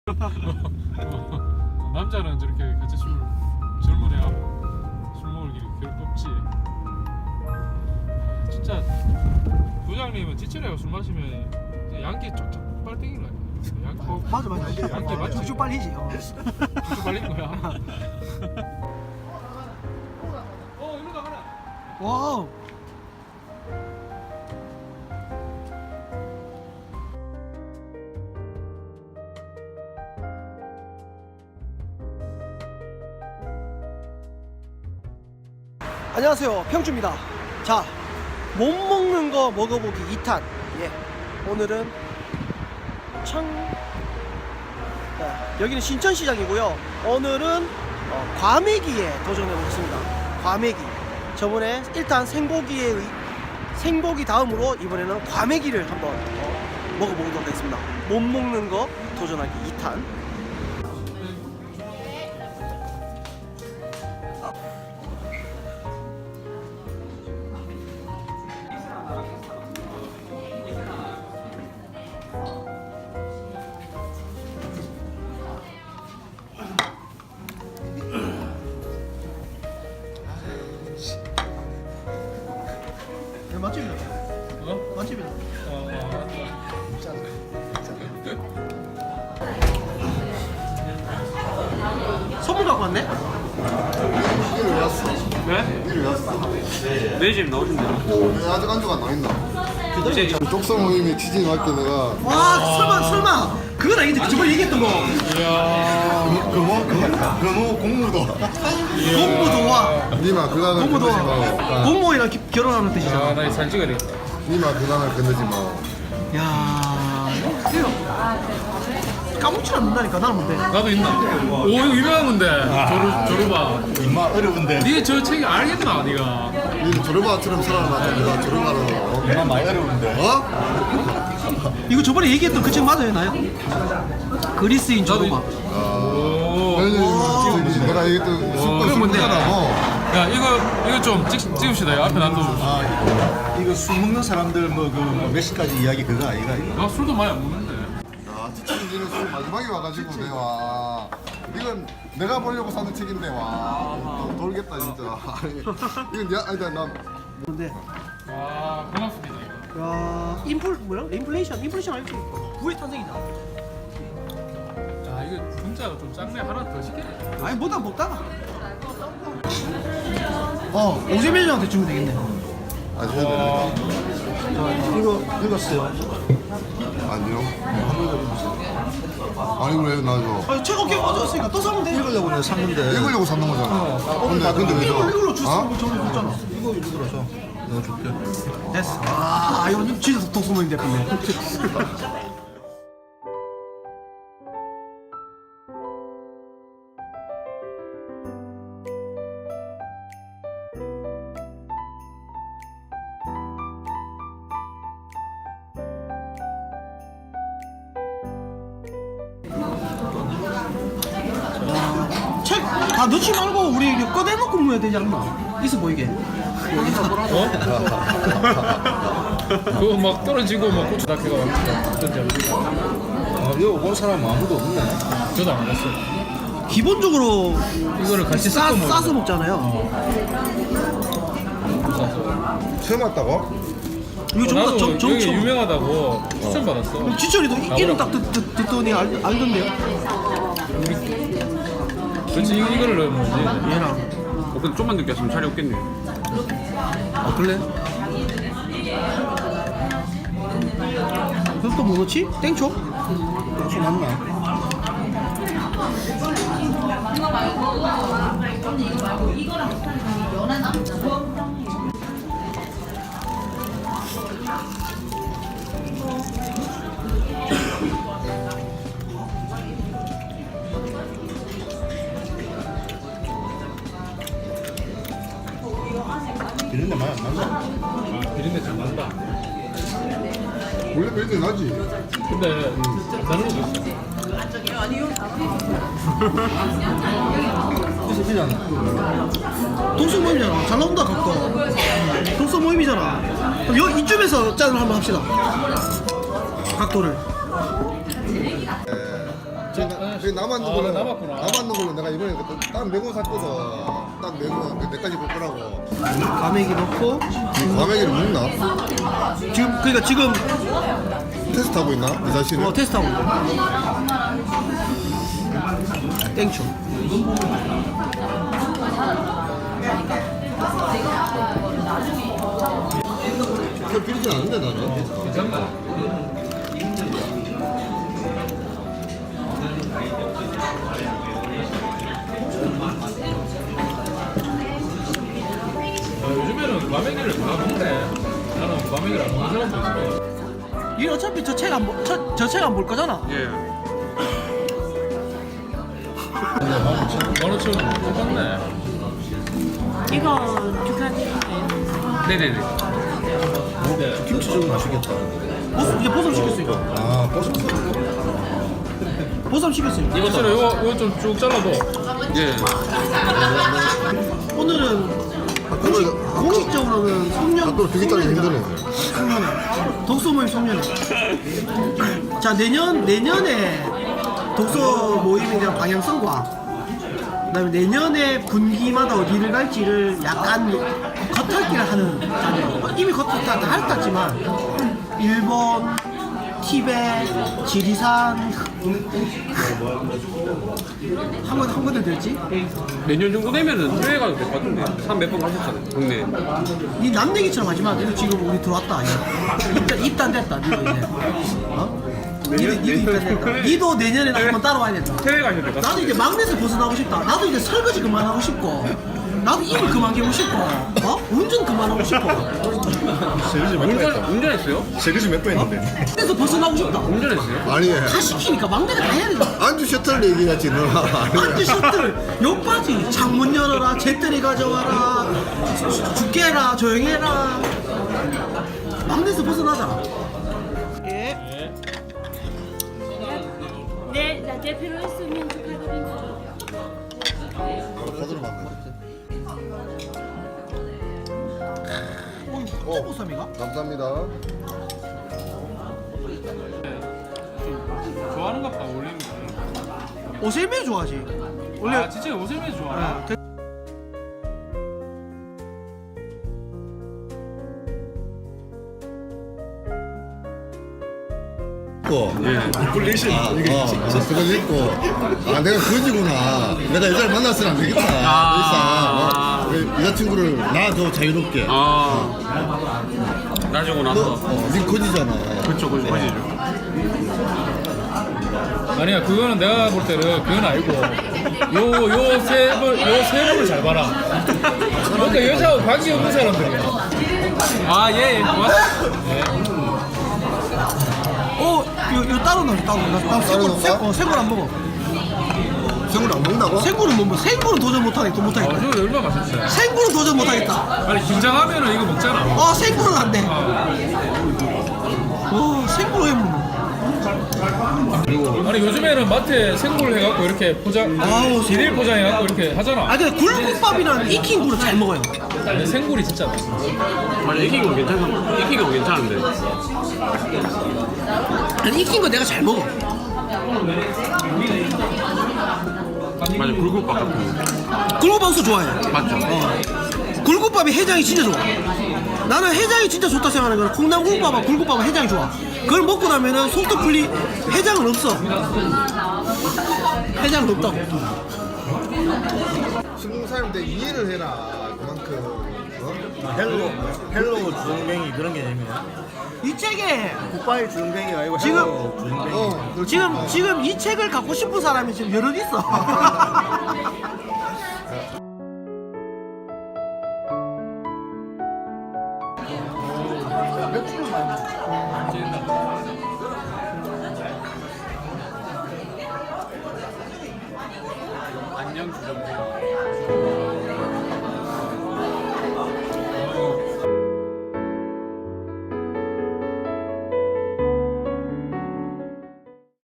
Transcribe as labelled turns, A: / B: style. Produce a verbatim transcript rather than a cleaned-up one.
A: 어, 남자는 저렇게 같이 술 젊은 애가 술 먹을 일이 별로 없지. 진짜 부장님은 지철이가 술 마시면 양기 쫙쫙 빨땡인 거야. 양기
B: 어, 맞아 맞아.
A: 양기 맞지?
B: 쭉쭉 빨리지. 어.
A: 쭉쭉 빨린 거야. 어 이리로 가라.
B: 와우. 안녕하세요, 평주입니다. 자, 못 먹는 거 먹어보기 이 탄. 예, 오늘은 청 자, 여기는 신천시장이고요. 오늘은 어, 과메기에 도전해보겠습니다. 과메기. 저번에 일 탄 생고기에 의- 생고기 다음으로 이번에는 과메기를 한번 어, 먹어보도록 하겠습니다. 못 먹는 거 도전하기 이 탄. 맛집이다.
A: 어?
B: 맛집이다.
A: 어, 어,
B: 선물 갖고 왔네?
C: 이리 왜 왔어?
A: 네?
C: 이리 왜 왔어?
A: 내 집 나오신다.
C: 왜 아직 안주가 안 나있나?
A: 이제
C: 쪽성 모임에 취직이 맞게 내가
B: 와, 설마, 설마. 그건 아니지. 저번에 얘기했던 거.
A: 이야.
C: 그뭐 그뭐 공무도
B: 공무도 와.
C: 니마 그강을
B: 공무도
C: 건너지
B: 와.
C: 마.
B: 공무원이랑 기- 결혼하는 뜻이잖아.
A: 아, 나 사진 찍어야 되겠다.
C: 니마 그강을 건너지 마.
B: 야, 이거 까먹질 않는다니까. 나는 뭔데?
A: 나도 있나? 오, 이거 유명한 건데. 조루, 조루바.
D: 임마 어려운데
A: 니 저 책 알겠나, 니가?
C: 니는 조르바처럼 살아남았다. 내가 조르바로
D: 임마 많이 어려운데
C: 어?
B: 이거 저번에 얘기했던 그 책 맞아요, 나요? 그리스인
A: 나도
B: 조로마.
A: 오.
C: 아니, 저기 내가 얘기했던
A: 그게
C: 술거
A: 뭔데?
C: 술거잖아. 뭐.
A: 야, 이거, 이거 좀 찍, 찍읍시다. 이거 앞에 놔둬.
D: 아 이거 술 먹는 사람들 뭐 그 몇 시까지 이야기 그거 아이가 이거
A: 나 술도 많이 안 먹는데.
C: 야, 지금 니는 술 마지막에 와가지고 내와. 이건 내가 보려고 사는 책인데 와. 또 돌겠다 진짜. 아니, 이건 야, 아니다 나.
B: 근데
A: 와, 고맙습니다. 이거.
B: 야, 인플 뭐야? 인플레이션, 인플레이션 알지? 부의 탄생이다.
A: 야, 이거 분자가 좀 작네. 하나 더 시켜야 돼.
B: 아니 뭐다 먹다가. 어, 오세민이한테 주면 되겠네.
C: 아, 해야 되는데.
B: 자, 이거 읽었어요.
C: 아니요. 아니 그래 나 이거
B: 아, 책 어깨 빠졌으니까 또 사면 돼.
D: 읽으려고 내가 샀는데
C: 읽으려고 사는 거잖아. 근데 근데 왜
B: 이걸
C: 저?
B: 이걸로 주스
C: 어?
B: 저는 줬잖아.
D: 이거 읽으라서 내가 줄게
B: 됐어. 아, 이거 진짜 독수모임 됐네. 책 다 넣지 말고 우리 이거 꺼내놓고 모여야 되지 않나? 있어 보이게.
A: 어? 그거 막 떨어지고 막 고추 닭해가 던져.
D: 아 이거 본 사람 아무도 없네
A: 저도 안 봤어요.
B: 기본적으로
A: 이거를 같이
B: 싸,
A: 섞어 먹어.
B: 싸서 먹잖아요.
C: 처음 왔다고?
B: 이거 전부
A: 나도
B: 다 정,
A: 여기
B: 정청.
A: 유명하다고 추천 받았어.
B: 지철이도 이- 이름 딱 듣, 듣, 듣더니 알, 알던데요?
A: 그렇지 이- 이거를 넣으면 되지.
B: 얘랑.
E: 어, 근데 좀만 늦게 왔으면 자리 없겠네.
B: 아, 그래? 그럼 또 뭐 넣지? 땡초?
D: 혹시 맞나? 이런데 많이 안 나나?
A: 아, 비린내 잘 난다.
C: 원래 별일 나지.
A: 근데 다른 것도 있어.
D: 그래서 그냥
B: 독서 모임이잖아. 잘 나온다, 각도. 독서 모임이잖아. 그럼 여, 이쯤에서 짠을 한번 합시다. 각도를.
A: 저,
C: 그러니까
A: 네.
C: 그게 남았는
A: 아,
C: 걸로
A: 남았구나.
C: 남았는 걸로 내가 이번에 그 딱 메고 샀거든. 딱 메고 내까지 볼 거라고.
B: 과메기 넣고
C: 과메기를 먹나?
B: 지금 그러니까 지금
C: 테스트하고 있나? 이 자신을?
B: 어 테스트하고 있어. 땡초.
C: 별 비리진 않은데 나는.
A: 괜찮네. 아, 요즘에는 과메기를 다 먹네. 나는 과메기를 안 먹는 사람도 있어.
B: 이 어차피 저 책 안 볼, 저, 저 책 안 볼 거잖아.
E: 예.
A: 만 오천 원 똑같네.
F: 이거 두 가지인가요?
E: 네네네.
D: 김치 좀 맛있겠다.
B: 보쌈 이제 보쌈 시켰어요.
D: 아 버섯.
B: 보쌈 시켰어요.
A: 이거 싫어. 이거 이거 좀 쭉 잘라도.
E: 예.
B: 오늘은
C: 학교를
B: 공식적으로는 송년
C: 학교를 두 개짜리 힘드네.
B: 송년회 독서 모임 송년회. 자 내년 내년에 독서 모임에 대한 방향성과 그다음에 내년에 분기마다 어디를 갈지를 약간 겉핥기를 하는 자리예요. 이미 겉핥기 다 핥았지만 일본, 티베트, 지리산 한 번 한 번도 됐지?
E: 내년 정도 되면은 해외 가도 될 것 같은데. 한 몇 번 가셨잖아요. 국내.
B: 니 남 얘기처럼 하지 마. 니도 지금 우리 들어왔다. 입단, 입단됐다. 니도 이제. 어? 니도, 니도 입단됐다. 니도 내년에 한번 따라와야 된다.
E: 해외 가셔야 될 것
B: 나도
E: 같아요.
B: 이제 막내에서 벗어나고 싶다. 나도 이제 설거지 그만하고 싶고. 나도 입을 그만 개고 싶고. 어? 운전 그만하고 싶고.
D: 설거지 몇 번
E: 운전,
D: 했다.
E: 운전했어요?
D: 설거지 몇 번 했는데.
B: 그래서 벗어나고 싶다.
E: 운전했어요?
C: 아니
B: 다 시키니까 막내가 다 해야 된다.
C: 안주 셔틀 얘기하지 너.
B: 안주 셔틀 욕바지 창문 열어라 재떨이 가져와라 죽게라 조용해라 막내에서 벗어나자. 예.
F: 네, 나 대표로 했으면 축하드립니다.
C: 거들어 봤네.
B: 어, 보쌈이가?
C: 감사합니다.
A: 좋아하는가 봐. 올리는 거.
B: 오셀메 좋아하지. 원래
A: 아 진짜 오세미 좋아하나?
B: 네.
C: 고
D: 플레이션
C: 아,
D: 이게
C: 어, 그걸 읽고 아 내가 거지구나. 내가 여자를 만났으면 안 되겠다.
E: 아.
C: 더 이상 어, 여자친구를 나 더 자유롭게.
E: 아. 나중에
C: 너,
E: 나서.
C: 어, 니 거지잖아.
E: 그쵸, 그쵸, 거지죠.
A: 아니야 그거는 내가 볼 때는 그건 아니고 요요세번요세 번을 잘 봐라. 그러니까 여자하고 관계 없는 사람들이야. 아 예. 예. 고맙습니다.
B: 어, 요, 요 따로 넣어, 따로. 나, 나
C: 따로
B: 생굴,
C: 넣을까?
B: 생, 어, 생굴 안 먹어.
C: 생굴 안 먹는다고?
B: 생굴은 못 먹어. 생굴은 도전 못하겠다,
A: 아
B: 못하겠다.
A: 저거 얼마나 맛있어요.
B: 생굴은 도전 못하겠다.
A: 아니 긴장하면은 이거 먹잖아.
B: 어, 생굴은 안 돼. 어, 생굴 왜 먹어?
A: 아니 요즘에는 마트에 생굴 해갖고 이렇게 포장,
B: 아우,
A: 일일 포장해갖고 이렇게 하잖아.
B: 아, 근데 굴국밥이랑 익힌 굴을 잘 먹어요.
A: 근데 생굴이 진짜 맛있어.
E: 맞아, 익힌 거 괜찮아. 익힌 거 괜찮은데.
B: 아니, 익힌 거 내가 잘 먹어.
E: 맞아, 굴국밥 같은 거.
B: 굴국밥 엄청 좋아해.
E: 맞죠?
B: 굴국밥이 해장이 진짜 좋아. 나는 해장이 진짜 좋다 생각하는 거는 콩나물 굴국밥하고 굴국밥은 해장이 좋아. 그걸 먹고 나면은 속도 풀리 해장은 없어. 해장은 없다고.
C: 스무 살인데 이해를 해라. 그만큼. 어?
D: 헬로 헬로 주둥뱅이 그런 개념이야.
B: 이 책에
D: 굿바이 주둥뱅이가 아니고
B: 지금-
D: 헬로 주둥뱅이.
C: 어, 그렇지.
B: 지금 지금 이 책을 갖고 싶은 사람이 지금 여럿 있어.
E: 안녕, 주정뱅이.